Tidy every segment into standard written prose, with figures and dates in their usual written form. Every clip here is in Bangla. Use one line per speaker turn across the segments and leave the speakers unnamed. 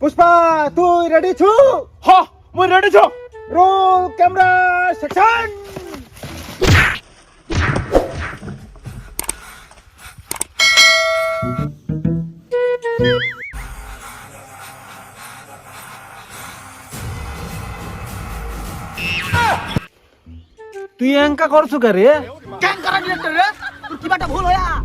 পুষ্পা তুই রেডি ছু?
হ মই রেডি ছ।
Roll camera action.
তুই এঙ্কা করছো কে রে?
কেন করা ডিরেক্টর রে? তোর কি বাটা ভুল হয়া?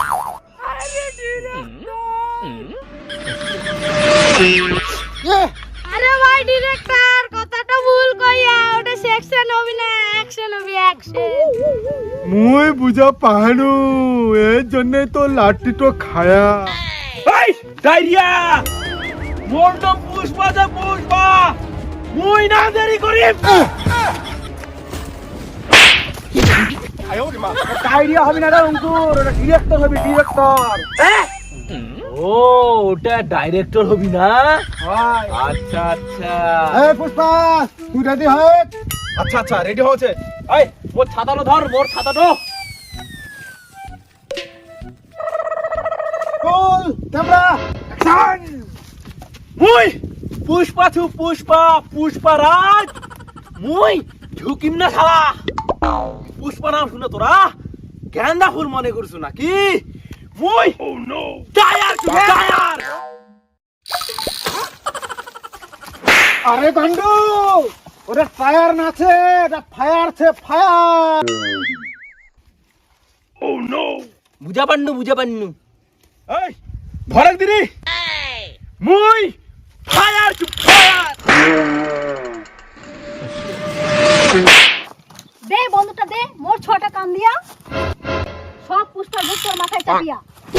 আরে ভাই ডিরেক্টর কথাটা ভুল কইয়া, ওটা সেকশন হবি না, অ্যাকশন হবি, অ্যাকশন।
মুই বুঝা পাহানু এর জন্য তো লাঠি তো খায়া।
এই ডাইরিয়া মোর তো পুষ্পা যা পুষ্পা মুই না দেরি করি।
ডায়রিয়া হবে না রে অঙ্কুর, ওটা ডিরেক্টর হবে ডিরেক্টর।
ও ওটা ডাইরেক্টর হবি না?
হাই
আচ্ছা আচ্ছা
এই পুষ্পা তুই রেডি হয়ে।
আচ্ছা আচ্ছা রেডি হচ্ছে। এই মোর ছাতাটা ধর, মোর ছাতাটা।
Roll camera action.
মুই পুষ্পা ছু পুষ্পা পুষ্পারাজ মুই ঝুকিম না শালা। পুষ্পা নাম শুনে তোরা গেন্দা ফুল মনে করছো নাকি? মুই টায়ার ছু টায়ার।
আরে গান্ডু ওটা ফায়ার না আছে, এটা ফায়ার আছে ফায়ার।
বুঝা পান্নু এই ভরক দিনি মুই ফায়ার ছু ফায়ার।
দে বন্ধুটা দে, মোর ছটা কান দিয়া সব পুষ্পার ভূত তোর মাথায় চাপিয়া।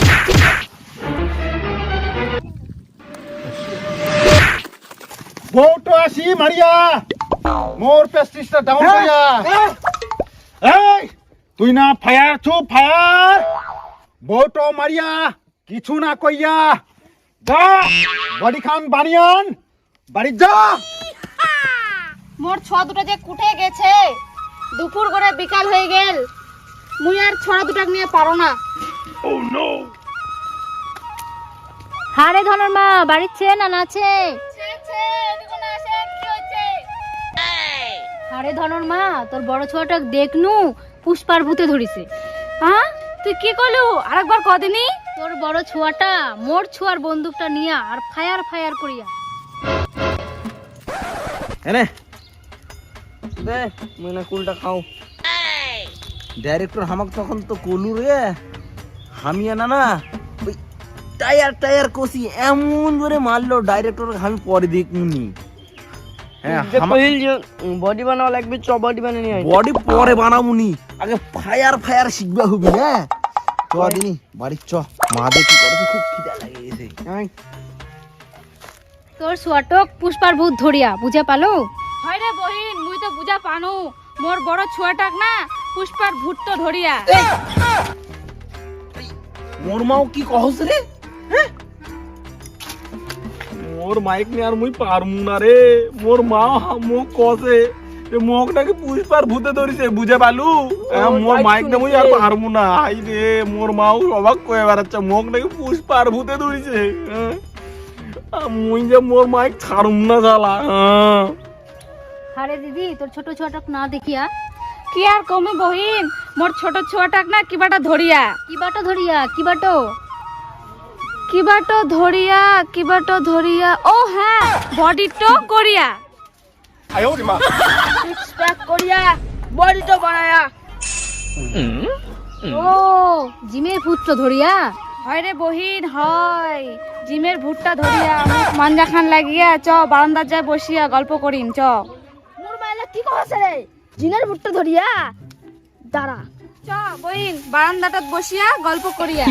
বউটো আসি মারিয়া মোর পেস্টিসটা ডাউন করিয়া। এই তুই না ফায়ার ছু ফায়ার, বউটো মারিয়া কিছু না কইয়া যা বডি খান বানিয়ান বাড়ি যা।
মোর ছোয়া দুটা যে কুটে গেছে, দুপুর করে বিকাল হয়ে গেল, মুই আর ছড়া দুটাক নিয়ে পারো না। হারে ধনের মা বাড়িছে না নাছে? আরে ধনর মা তোর বড় ছোয়াটাক দেখনু পুষ্পার ভূতে ধরিছে। হ্যাঁ তুই কি করলু আরেকবার কদিনই? তোর বড় ছোয়াটা মোর ছোয়ার বন্দুকটা নিয়া আর ফায়ার ফায়ার করিয়া।
এনে দে মুই না কুলটা খাও। ডাইরেক্টর হামাক তখন তো কলু রে হামিয়া না ওই টায়ার টায়ার কষি এমন করে মারলো ডাইরেক্টর আমি পরে দেখুনি। হ্যাঁ
বডি বানাও লাগবে, চ বডি বানিয়ে নিয়ে আয়।
বডি পরে বানামুনি, আগে ফায়ার ফায়ার শিখবা হবি না। চ দিনি বাড়ি চ, মা দেখি করছে খুব খিদা লাগে গেছে।
তোর ছোয়াটক পুষ্পার ভূত ধরিয়া বুঝা পালো? হয় রে বহিন মুই তো বুঝা পানু, মোর বড় ছোয়াটাক না পুষ্পার ভূত তো ধরিয়া।
মোর মাও কি কহস রে? মোর মাইক নে আর মুই পারমু না রে। মোর মা মোক কসে মোক নাকি পুষ্পার ভূতে ধরিছে বুঝে পালু। মোর মাইক নে মুই আর পারমু না। আই রে মোর মাও অবাক কয়ে বেড়াচ্ছে মোক নাকি পুষ্পার ভূতে ধরিছে। মুই যে মোর মাইক ছাড়ুম না শালা।
আরে দিদি তোর ছোট ছোয়াটাক না দেখিয়া কি আর কমে বহিন, মোর ছোট ছোয়াটাক না কিবাটা ধরিয়া। কিবাটা ধরিয়া কিবাটো কিবাটো ধরিয়া কিবাটো ধরিয়া, ও হ্যাঁ বডি তো করিয়া।
সিক্স প্যাক করিয়া বডি তো বানায়া।
ও জিমের ভূত তো ধরিয়া। হয় রে বহিন হয়, জিমের ভূতটা ধরিয়া মাঞ্জা খান লাগিয়া চ বারান্দার যায় বসিয়া গল্প করিম চ।
মোর মাইলা কি কইছে রে? জিনের ভুট্টা ধরিয়া দাঁড়া।
চ বহিন বারান্দাটাত বসিয়া গল্প করিয়া।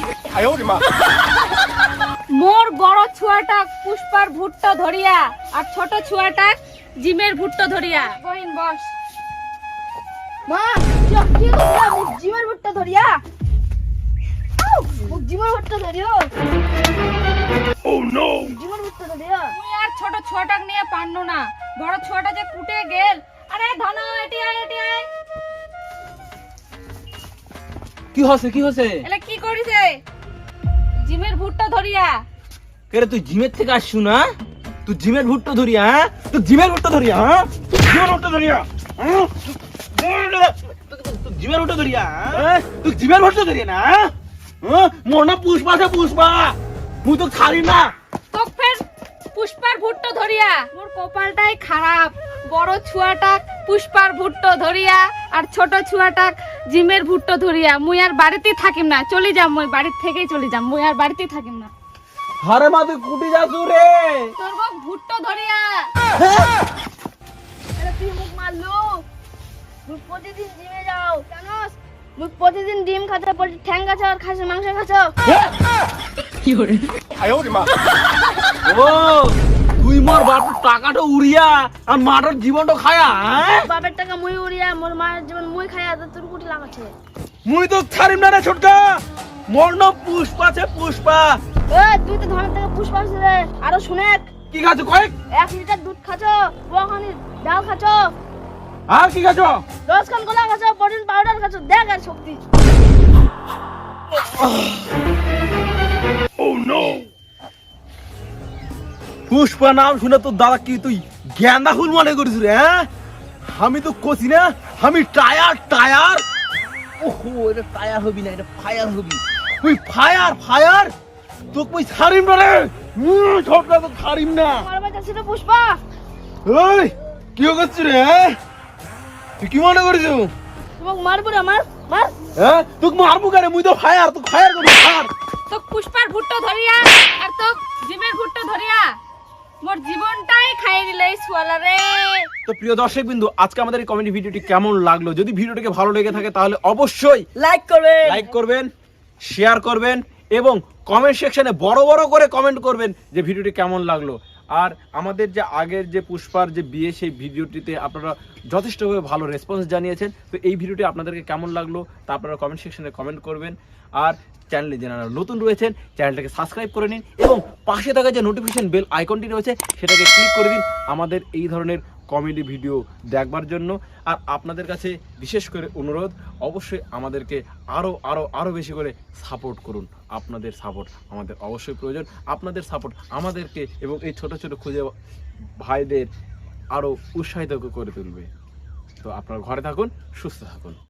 মোর বড় ছুয়াটা পুষ্পার ভুট্টা ধরিয়া আর ছোট ছুয়াটা জিমের ভুট্টা ধরিয়া। বহিন বস।
মা কি কি কইলা? মুখ জিনের ভুট্টা ধরিয়া। মুখ জিনের ভুট্টা ধরিও। ও নো, জিনের ভুট্টা ধরিয়া।
তুই আর ছোট ছুয়াটাক নিয়ে পারনো না, বড় ছুয়াটা যে কুটে গেল। আরে ধন এটি আয় এটি আয়।
কি হচ্ছে কি হচ্ছে?
এলা কি করিছে? জিমের ভুট্টা ধরিয়া।
কে রে তুই জিমের থেকে আসছু না? তুই জিমের ভুট্টো ধরিয়া, হ্যাঁ তুই জিমের ভুট্টো ধরিয়া, হ্যাঁ জিমের ভুট্টো ধরিয়া, হ্যাঁ তুই জিমের ভুট্টো ধরিয়া, হ্যাঁ তুই জিমের ভুট্টো ধরিয়া না, হ্যাঁ মোর না পুষ্পা আছে পুষ্পা, মুই তো ছাড়ি না।
তো ফের পুষ্পার ভুট্টো ধরিয়া মোর কপালটাই খারাপ। বড় ছুয়াটাক পুষ্পার ভুট্টো ধরিয়া আর ছোট ছুয়াটাক জিমের ভুট্টো ধরিয়া। মুই আর বাড়িতেই থাকিম না, চলে যাম, মুই বাড়ির থেকেই চলে যাম, মুই আর বাড়িতেই থাকিম না।
হারে মা তুই কুটি যাচ্ছু রে?
তোর বউ ভুট্টো ধরিয়া।
আরে তুই মুখ মারলু, মুই প্রতিদিন জিমে যাও জানোস, মুই প্রতিদিন ডিম খাচ্ছ, ঠ্যাং খাচ্ছ আর খাসির মাংস খাচ্ছ।
ও তুই মোর বাপের টাকাটা উড়িয়া আর মাটার জীবনটা খায়া, হ্যাঁ
বাপের টাকা মুই উড়িয়া, মোর মায়ের জীবন মুই খাইয়া, তো তোর কুটি লাগাচ্ছে।
মুই তো ছাড়িম না রে ছোটকা, মোর নাম পুষ্পা আছে পুষ্পা।
তুই তো ধনের টাকা পুষ্পা আছে রে। আরো শুনে,
কি খাচ্ছ কয়েক?
1 লিটার দুধ খাচ্ছ, পোখানি ডাল খাচ্ছ,
আর কি খাচ্ছ?
10 খান কলা খাচ্ছ, প্রোটিন পাউডার খাচ্ছ, দেখ আর শক্তি।
পুষ্পা নাম শুনে তোর দাদা কি তুই গেন্দা ফুল মনে করিস রে? হ্যাঁ আমি তো কছি না আমি টায়ার টায়ার। ওহো এটা টায়ার হবি না, এটা ফায়ার হবি। তুই ফায়ার ফায়ার, তোকে মুই ছাড়িম না রে, ছোটকা তো ছাড়িম না।
আমার বাচ্চা ছিল পুষ্পা।
এই কি করছিস রে? হ্যাঁ তুই কি মনে করিস?
তোমাকে মারবো রে, মার মার।
হ্যাঁ তোকে মারবো কেন? মুই তো ফায়ার, তুই ফায়ার করবি ফায়ার।
তো পুষ্পার ভুট্টো ধরিয়া আর তো জিমের ভুট্টো ধরিয়া মোর জীবনটাই খাইয়ে দিলে এই সুয়ালা রে।
তো প্রিয় দর্শক বিন্দু, আজকে আমাদের এই কমেডি ভিডিওটি কেমন লাগলো? যদি ভিডিওটিকে ভালো লেগে থাকে তাহলে অবশ্যই লাইক করবেন, শেয়ার করবেন এবং কমেন্ট সেকশনে বড় বড় করে কমেন্ট করবেন যে ভিডিওটি কেমন লাগলো। আর আমাদের যে আগের যে পুষ্পার যে বিয়ে, সেই ভিডিওটিতে আপনারা যথেষ্টভাবে ভালো রেসপন্স জানিয়েছেন। তো এই ভিডিওটি আপনাদেরকে কেমন লাগলো তা আপনারা কমেন্ট সেকশনে কমেন্ট করবেন। আর চ্যানেলে যারা নতুন রয়েছেন চ্যানেলটাকে সাবস্ক্রাইব করে নিন এবং পাশে থাকা যে নোটিফিকেশন বেল আইকনটি রয়েছে সেটাকে ক্লিক করে দিন আমাদের এই ধরনের কমেডি ভিডিও দেখবার জন্য। আর আপনাদের কাছে বিশেষ করে অনুরোধ, অবশ্যই আমাদেরকে আরও বেশি করে সাপোর্ট করুন। আপনাদের সাপোর্ট আমাদের অবশ্যই প্রয়োজন। আপনাদের সাপোর্ট আমাদেরকে এবং এই ছোট ছোট খুঁজে ভাইদের আরও উৎসাহিত করে তুলবে। তো আপনারা ঘরে থাকুন, সুস্থ থাকুন।